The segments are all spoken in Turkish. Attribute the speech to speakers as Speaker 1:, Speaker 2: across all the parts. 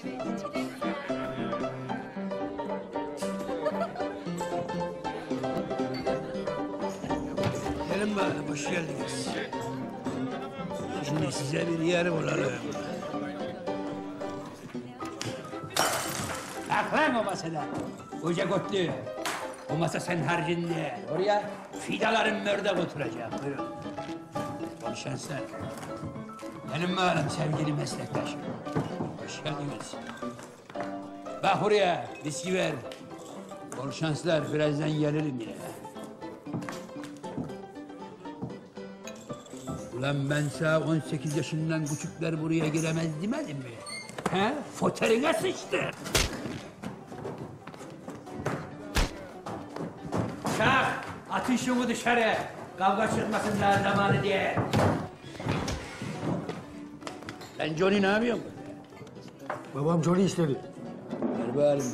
Speaker 1: Gelin bakalım, hoş geldiniz. Şimdi size bir yer bulalım. Kalk lan o masada. Koca kotlu. O masa sen harcinde. Oraya fidaların mördek oturacak. Buyurun. Bol şanslar. Gelin bakalım sevgili meslektaşım. Hoş geldiniz. Bak buraya, viski ver. Bol şanslar, birazdan gelirim yine. Ulan ben sana 18 yaşından küçükler buraya giremez demedim mi? He? Foterine sıçtı. Şah, atın şunu dışarı. Kavga çıkmasın daha zamanı diye. Lan Johnny ne yapıyorsun?
Speaker 2: Babam Johnny istedi.
Speaker 1: Ver bağırın.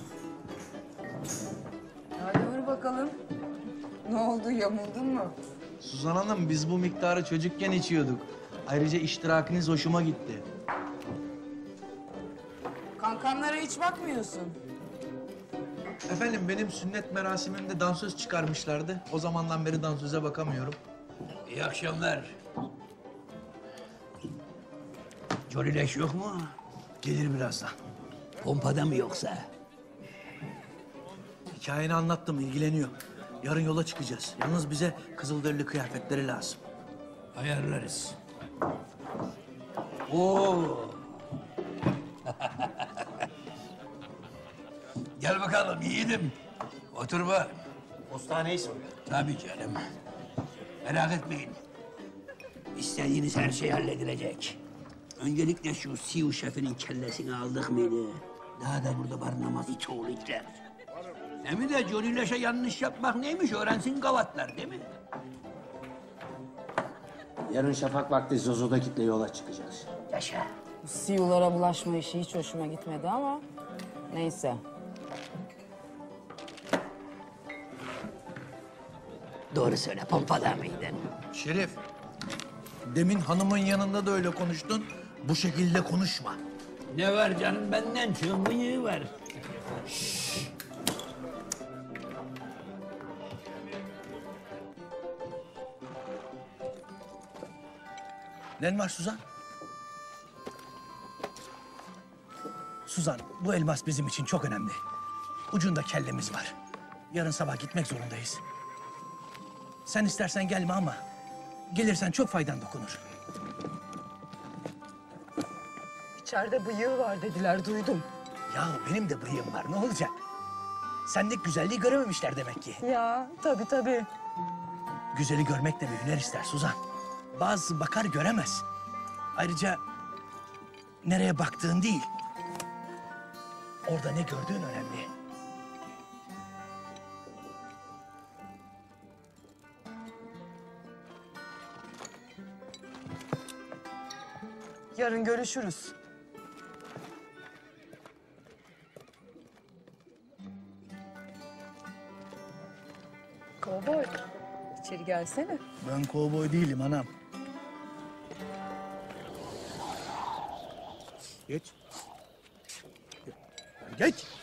Speaker 3: Hadi vur bakalım. Ne oldu, yamuldun mu?
Speaker 4: Suzan Hanım, biz bu miktarı çocukken içiyorduk. Ayrıca iştirakiniz hoşuma gitti.
Speaker 3: Kankanlara hiç bakmıyorsun.
Speaker 4: Efendim, benim sünnet merasimimde dansöz çıkarmışlardı. O zamandan beri dansöze bakamıyorum.
Speaker 1: İyi akşamlar. Johnny Leş yok mu?
Speaker 4: Gelir birazdan.
Speaker 1: Pompada mı yoksa?
Speaker 4: Hikayeni anlattım, ilgileniyor. Yarın yola çıkacağız. Yalnız bize kızılderili kıyafetleri lazım.
Speaker 1: Ayarlarız. Oo. Gel bakalım yiğidim. Otur bak.
Speaker 4: Postaneyi soruyor.
Speaker 1: Tabii canım. Merak etmeyin. İstediğiniz her şey halledilecek. Öncelikle şu Siu şefinin kellesini aldık mıydı? Daha da burada barınamaz it oğlu itler. Hem de Johnny Leş'e yanlış yapmak neymiş öğrensin gavatlar değil mi?
Speaker 5: Yarın şafak vakti Zozo'da kitle yola çıkacağız.
Speaker 1: Yaşa.
Speaker 3: Bu siyulara bulaşma işi hiç hoşuma gitmedi ama neyse.
Speaker 1: Doğru söyle, pompada mıydın?
Speaker 4: Şerif, demin hanımın yanında da öyle konuştun. Bu şekilde konuşma.
Speaker 1: Ne var canım, benden çok bıyığı var.
Speaker 4: Ne var Suzan? Suzan, bu elmas bizim için çok önemli. Ucunda kellemiz var. Yarın sabah gitmek zorundayız. Sen istersen gelme ama gelirsen çok faydan dokunur.
Speaker 3: İçeride bıyığı var dediler, duydum.
Speaker 4: Ya benim de bıyığım var, ne olacak? Sendeki güzelliği görememişler demek ki.
Speaker 3: Ya tabii tabii.
Speaker 4: Güzeli görmek de bir hüner ister Suzan. Bazısı bakar göremez. Ayrıca nereye baktığın değil, orada ne gördüğün önemli.
Speaker 3: Yarın görüşürüz. Kovboy, içeri gelsene.
Speaker 4: Ben kovboy değilim anam. Geç. Geç.